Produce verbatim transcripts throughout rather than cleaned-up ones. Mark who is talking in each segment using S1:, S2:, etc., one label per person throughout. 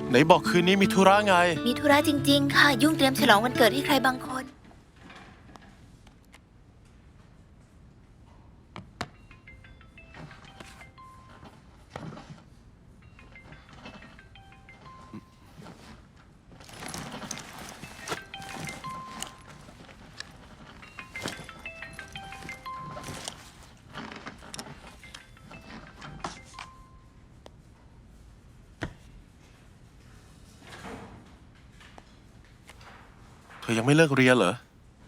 S1: ไหนบอกคืนนี้มีธุระไง
S2: มีธุระจริงๆค่ะยุ่งเตรียมฉลองวันเกิดให้ใครบางคน
S1: เธอยังไม่เลิกเรียนเหรอ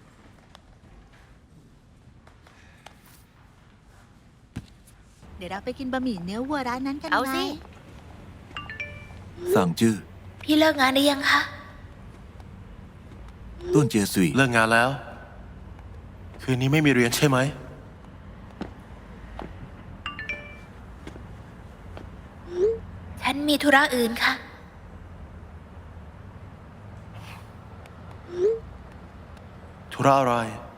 S3: เดี๋ยวเราไปกินบะหมี่เนื้อวัวร้านนั้นกันไหม
S2: เอาสิ
S4: สั่งจื้อ
S2: พี่เลิกงานได้ยังคะ
S4: ต้นเจียซุย
S1: เลิกงานแล้ว คืนนี้ไม่มีเรียนใช่ไหม
S2: ฉันมีธุระอื่นค่ะ
S1: ธุระอะไร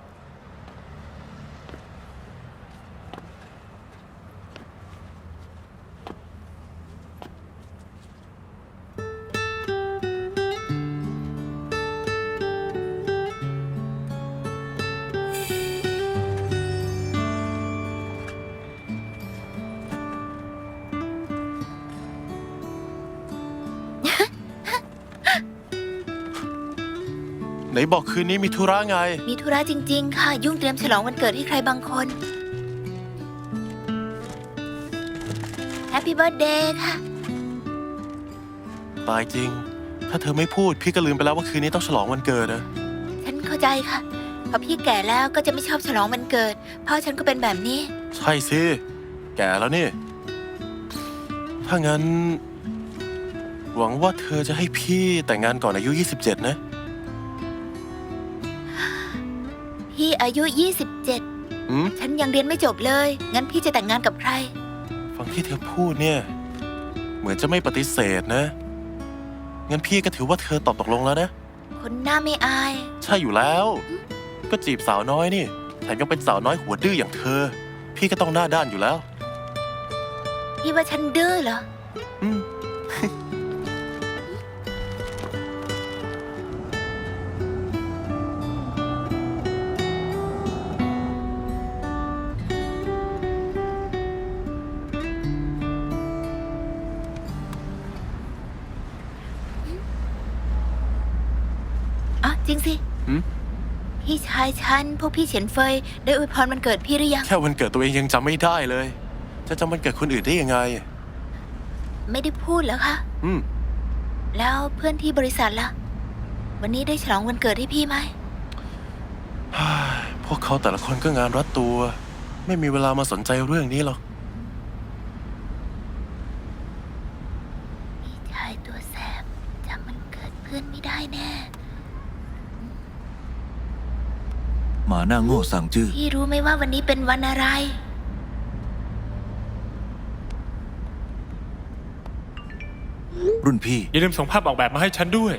S1: ไหนบอกคืนนี้มีธุระไง
S2: มีธุระจริงๆค่ะยุ่งเตรียมฉลองวันเกิดให้ใครบางคนแฮปปี้เบิร์ธเดย์ค่ะ
S1: ตายจริงถ้าเธอไม่พูดพี่ก็ลืมไปแล้วว่าคืนนี้ต้องฉลองวันเกิดนะ
S2: ฉันเข้าใจค่ะพอพี่แก่แล้วก็จะไม่ชอบฉลองวันเกิดพ่อฉันก็เป็นแบบนี้
S1: ใช่สิแก่แล้วนี่ถ้างั้นหวังว่าเธอจะให้พี่แต่งงานก่อนอายุยี่สิบเจ็ดนะ
S2: พี่อายุยี่สิบเจ็ด
S1: อืม
S2: ฉันยังเรียนไม่จบเลยงั้นพี่จะแต่งงานกับใคร
S1: ฟังที่เธอพูดเนี่ยเหมือนจะไม่ปฏิเสธนะงั้นพี่ก็ถือว่าเธอตอบตกลงแล้วนะ
S2: คนหน้าไม่อาย
S1: ใช่อยู่แล้วก็จีบสาวน้อยนี่แถมยังเป็นสาวน้อยหัวดื้ออย่างเธอพี่ก็ต้องหน้าด้านอยู่แล้ว
S2: พี่ว่าฉันดื้อเหรอ
S1: อืม
S2: อ๋อจริงสิพี่ชายฉันพวกพี่เฉียนเฟยได้อวยพรวันเกิดพี่หรือยัง
S1: แค่วันเกิดตัวเองยังจำไม่ได้เลยจะจำวันเกิดคนอื่นได้ยังไง
S2: ไม่ได้พูดเหรอคะ
S1: อืม
S2: แล้วเพื่อนที่บริษัทล่ะวันนี้ได้ฉลองวันเกิดให้พี่ไหม
S1: พวกเขาแต่ละคนก็งานรัดตัวไม่มีเวลามาสนใจเรื่องนี้หรอก
S2: พี่ชายตัวแสบจำวันเกิดเพื่อนไม่ได้แน่
S4: หมาหน้าโง่สั่งจื้อ
S2: พี่รู้ไหมว่าวันนี้เป็นวันอะไร
S4: รุ่นพี่
S5: อย่าลืมส่งภาพออกแบบมาให้ฉันด้วย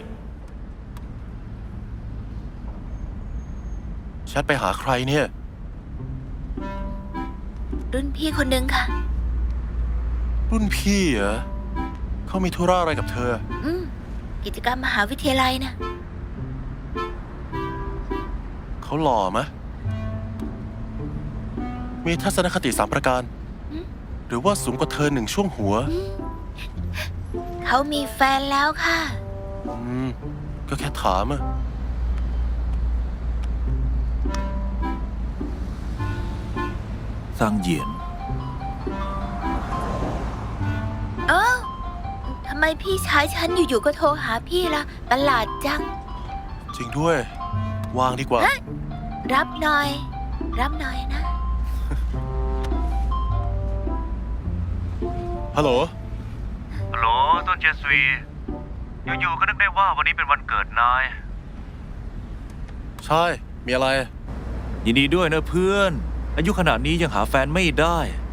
S1: แชทไปหาใครเนี่ย
S2: รุ่นพี่คนหนึ่งค่ะ
S1: รุ่นพี่เหรอเขามีธุระอะไรกับเธอ
S2: อืมกิจกรรมมหาวิทยาลัยนะ
S1: เขาหล่อมะมีทัศนคติสามประการหรือว่าสูงกว่าเธอหนึ่งช่วงหัว
S2: เขามีแฟนแล้วค่ะ
S1: อืมก็แค่ถามอะ
S4: สั่งเหยียน
S2: เอ้าทำไมพี่ชายฉันอยู่ๆก็โทรหาพี่ล่ะประหลาดจัง
S1: จริงด้วยวางดีกว่า
S2: รับหน่อยรับหน่อยนะ
S1: ฮัลโหล
S6: ฮัลโหลต้นเจสวีอยู่ๆก็นึกได้ว่าวันนี้เป็นวันเกิดนาย
S1: ใช่มีอะไร
S4: ยินดีด้วยนะเพื่อนอายุขนาดนี้ยังหาแฟนไม่ได้